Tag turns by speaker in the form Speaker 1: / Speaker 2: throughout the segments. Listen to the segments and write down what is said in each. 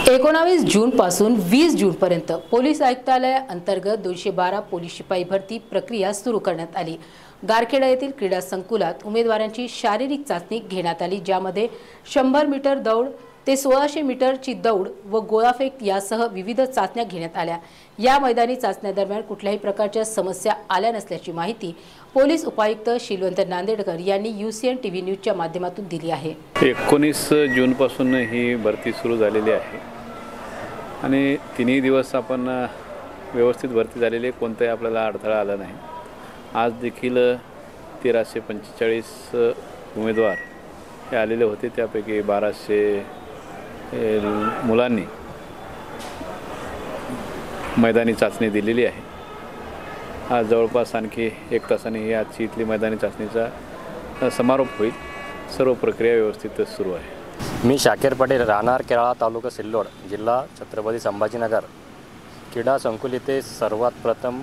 Speaker 1: 19 जून पासून 20 जून पर्यंत पोलीस आयुक्तालय अंतर्गत 212 पोलीस शिपाई भरती प्रक्रिया सुरू करण्यात आली। गारखेडा येथील क्रीडा संकुलात उमेदवारांची शारीरिक चाचणी घेण्यात आली, ज्यामध्ये 100 मीटर दौड ते 1600 मीटरची दौड व गोळाफेक यासह विविध चाचण्या घेण्यात आल्या। या मैदानी चाचण्यादरम्यान कुठल्याही प्रकारच्या समस्या आल्या नसल्याची माहिती पोलीस उपायुक्त शिलवंत नांदेडकर यांनी UCN TV न्यूजच्या माध्यमातून दिली आहे।
Speaker 2: 19 जून पासून ही भरती सुरू झालेली आहे आणि तिन्ही दिवस आपण व्यवस्थित भरती झालेली, कोणताही आपल्याला अडथळा आला नाही। आज देखील 1345 उमेदवार हे आलेले होते, त्यापैकी 1200 मुलांनी मैदानी चाचणी दिलेली आहे। आज जवळपास आणखी 1 तासाने ही आजची इथली मैदानी चाचणीचा समारोप होईल। सर्व प्रक्रिया व्यवस्थित सुरू आहे।
Speaker 3: मी शाकीर पटेल, राहणार केराळा, तालुका सिल्लोड, जिल्हा छत्रपती संभाजीनगर। क्रीडा संकुल येथे सर्वात प्रथम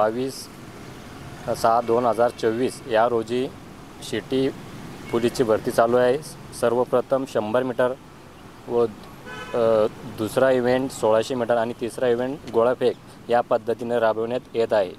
Speaker 3: 22/6/2024 या रोजी सिटी पोलीसची भरती चालू आहे। सर्वप्रथम 100 मीटर व दुसरा इव्हेंट 1600 मीटर आणि तिसरा इव्हेंट गोळाफेक या पद्धतीने राबवण्यात येत आहे।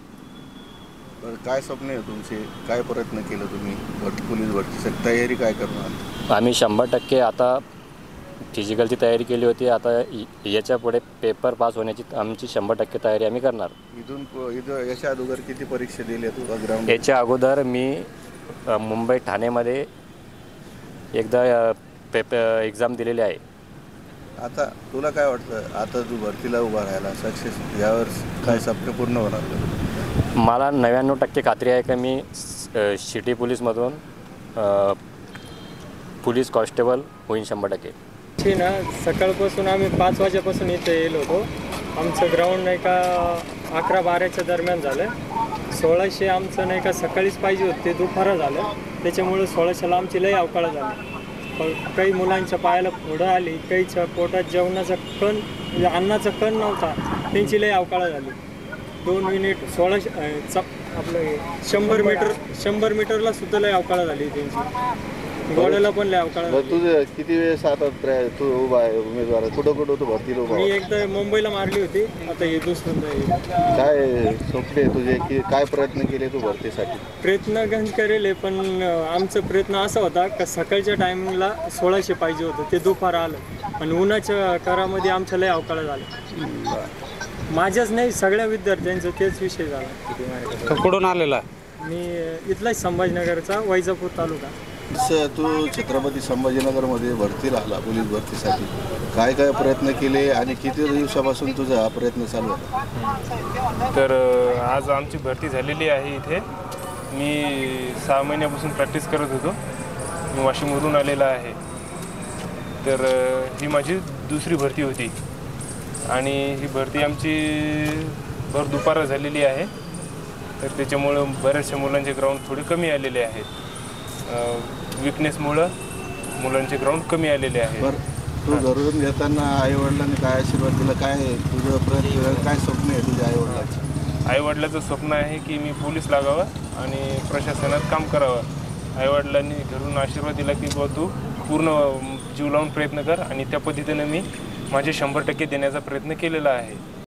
Speaker 4: काय स्वप्न आहे तुमचे, काय प्रयत्न केलं तुम्ही पोलीस भरतीसाठी, तयारी काय करणार?
Speaker 3: आम्ही 100% आता फिजिकलची तयारी केली होती। आता याच्या पुढे पेपर पास होण्याची आमची 100% तयारी आम्ही करणार।
Speaker 4: इथं याच्या अगोदर किती परीक्षा दिल्या तू ग्राउंड?
Speaker 3: याच्या अगोदर मी मुंबई ठाण्यामध्ये एकदा एक्झाम दिलेली आहे।
Speaker 4: आता तुला काय वाटतं, आता तू भरतीला उभा राहायला सक्सेस यावर काय स्वप्न पूर्ण होणार?
Speaker 3: मला 99% खात्री आहे की मी सिटी पोलीसमधून पोलीस कॉन्स्टेबल होईन 100%।
Speaker 5: ना सकाळपासून आम्ही 5 वाजेपासून इथे येलो होतो। आमचं ग्राउंड नाही का 11-12च्या दरम्यान झालं। 1600 आमचं नाही का सकाळीच पाहिजे होते, ते दुपारं झालं, त्याच्यामुळे 1600ला आमची लई अवकाळ झाली। पण काही मुलांच्या पायाला फोडं आली, काहीच्या पोटात जेवणाचा कण म्हणजे अन्नाचा कण नव्हता, त्यांची लई अवकाळ झाली। 2 मिनिट 1600 आपलं 100 मीटरला सुद्धा लई अवकाळ झाली त्यांची, गोड्याला पण लई अवकाळ झाली।
Speaker 4: तुझं किती वेळेस आता तू उभा आहे उमेदवार, कुठं तू भरतीला उभा?
Speaker 5: मी एकदा मुंबईला मारली होती, आता हे दुसऱ्यांदा।
Speaker 4: काय स्वप्न आहे तुझे, की काय प्रयत्न केले तू भरतीसाठी?
Speaker 5: प्रयत्न गंज करेल, पण आमचा प्रयत्न असा होता का सकाळच्या टायमिंगला 1600 पाहिजे होतं, ते दुपार आलं आणि उन्हाच्या करामध्ये आमच्या लई अवकाळ झाला। माझ्याच नाही, सगळ्या विद्यार्थ्यांचं तेच विषय झाला।
Speaker 6: कुठून आलेला?
Speaker 5: मी इथलाच संभाजीनगरचा, वैजापूर तालुका।
Speaker 4: तू छत्रपती संभाजीनगरमध्ये भरतीला आला पोलीस भरतीसाठी, काय काय प्रयत्न केले आणि किती दिवसापासून तुझा हा प्रयत्न चालू आहे?
Speaker 7: तर आज आमची भरती झालेली आहे। इथे मी 6 महिन्यापासून प्रॅक्टिस करत होतो। मी वाशिमवरून आलेला आहे। तर ही माझी दुसरी भरती होती आणि ही भरती आमची भर दुपार झालेली आहे। तर त्याच्यामुळं बऱ्याचशा मुलांचे ग्राउंड थोडे कमी आलेले आहेत। विकनेसमुळं मुलांचे ग्राउंड कमी आलेले आहेत।
Speaker 4: तू घरून घेताना आईवडिलांनी काय आशीर्वाद दिला, काय तुझं प्रयत्न, काय स्वप्न आहे तुझ्या आईवडिलांचं?
Speaker 7: आईवडिलाचं स्वप्न आहे की मी पोलीस लागावं आणि प्रशासनात काम करावं। आईवडिलांनी घरून आशीर्वाद दिला की बाबा तू पूर्ण जीव लावून प्रयत्न कर, आणि त्या पद्धतीने मी माझे 100% देण्याचा प्रयत्न केलेला आहे।